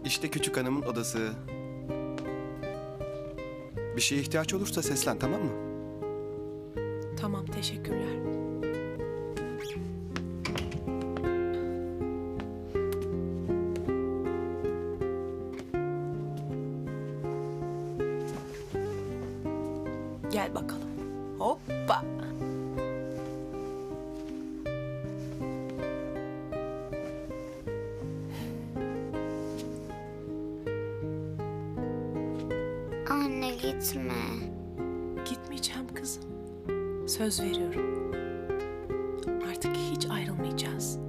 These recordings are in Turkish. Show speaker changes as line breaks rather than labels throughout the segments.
İşte küçük hanımın odası. Bir şeye ihtiyaç olursa seslen, tamam mı?
Tamam, teşekkürler. Gel bakalım. Hoppa.
Anne gitme.
Gitmeyeceğim kızım. Söz veriyorum. Artık hiç ayrılmayacağız.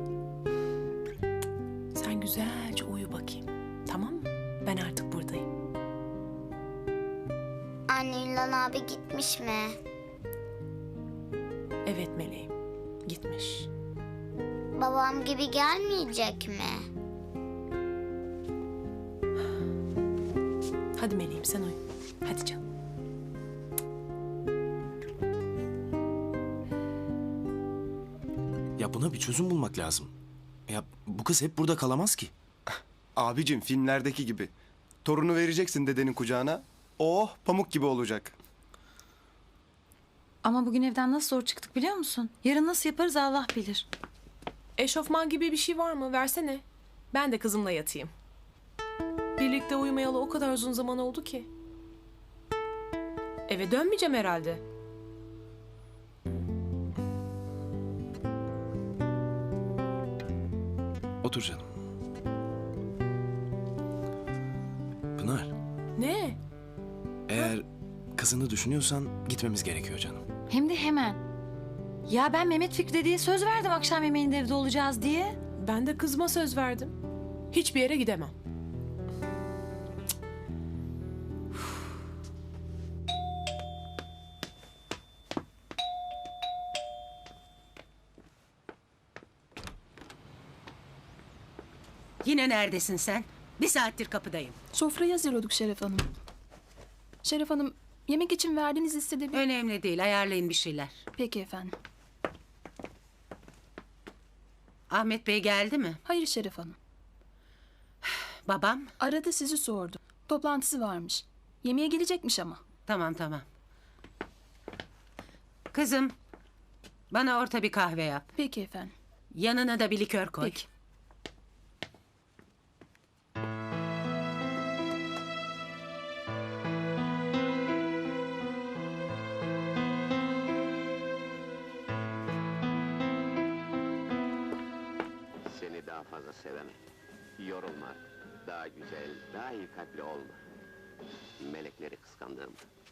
Sen güzelce uyu bakayım. Tamam mı? Ben artık buradayım.
Anne İlhan abi gitmiş mi?
Evet meleğim. Gitmiş.
Babam gibi gelmeyecek mi?
Hadi meleğim sen uyu. Hadi canım.
Ya buna bir çözüm bulmak lazım. Ya bu kız hep burada kalamaz ki.
Abicim, filmlerdeki gibi. Torunu vereceksin dedenin kucağına. Oh, pamuk gibi olacak.
Ama bugün evden nasıl zor çıktık biliyor musun? Yarın nasıl yaparız Allah bilir.
Eşofman gibi bir şey var mı? Versene. Ben de kızımla yatayım. Birlikte uyumayalı o kadar uzun zaman oldu ki. Eve dönmeyeceğim herhalde.
Otur canım. Pınar,
Ne?
eğer kızını düşünüyorsan gitmemiz gerekiyor canım.
Hem de hemen. Ya ben Mehmet Fikri diye söz verdim akşam yemeğinde evde olacağız diye.
Ben de kızıma söz verdim. Hiçbir yere gidemem.
Yine neredesin sen? Bir saattir kapıdayım.
Sofrayı hazırlıyorduk Şeref Hanım. Şeref Hanım, yemek için verdiğiniz listede bir...
Önemli değil, ayarlayın bir şeyler.
Peki efendim.
Ahmet Bey geldi mi?
Hayır Şeref Hanım.
Babam?
Aradı sizi sordu. Toplantısı varmış. Yemeğe gelecekmiş ama.
Tamam tamam. Kızım, bana orta bir kahve yap.
Peki efendim.
Yanına da bir likör koy.
Peki.
Seni daha fazla sevemem. Yorulma. Daha güzel, daha iyi kalpli olma. Melekleri kıskandığım.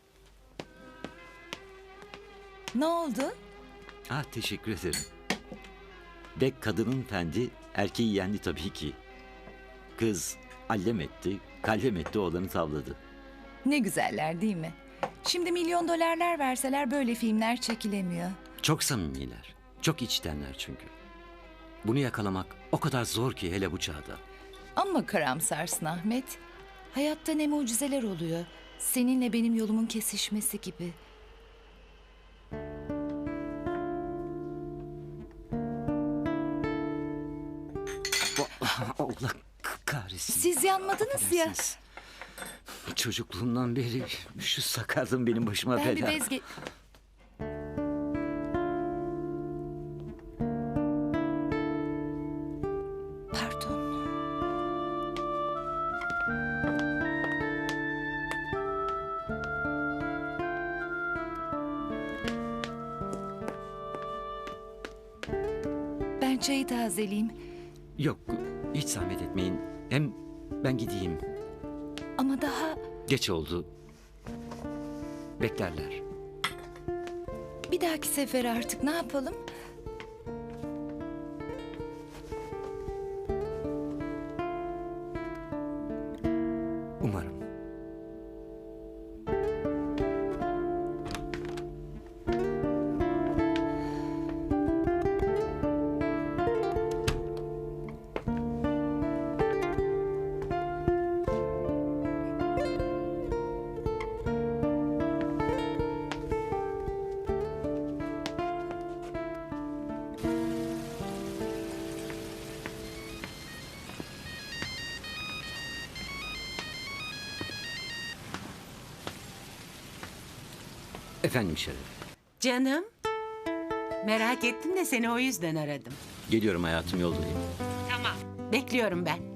Ne oldu?
Ah, teşekkür ederim. Bek kadının fendi, erkeği yendi tabii ki. Kız allem etti, kallem etti, oğlanı tavladı.
Ne güzeller değil mi? Şimdi milyon dolarlar verseler böyle filmler çekilemiyor.
Çok samimiler, çok içtenler çünkü. Bunu yakalamak o kadar zor ki, hele bu çağda.
Ama karamsarsın Ahmet. Hayatta ne mucizeler oluyor. Seninle benim yolumun kesişmesi gibi.
Allah kahretsin.
Siz yanmadınız ya.
Affedersiniz. Çocukluğumdan beri şu sakarlığım benim başıma
Ben bir
bela.
bez Pardon. Ben çayı tazeleyeyim.
Yok, hiç zahmet etmeyin. Hem ben gideyim.
Ama daha
Geç oldu. Beklerler.
bir dahaki sefer artık ne yapalım?
Umarım. Efendim Şeref.
Canım. Merak ettim de seni o yüzden aradım.
Geliyorum hayatım, yoldayım.
Tamam. Bekliyorum ben.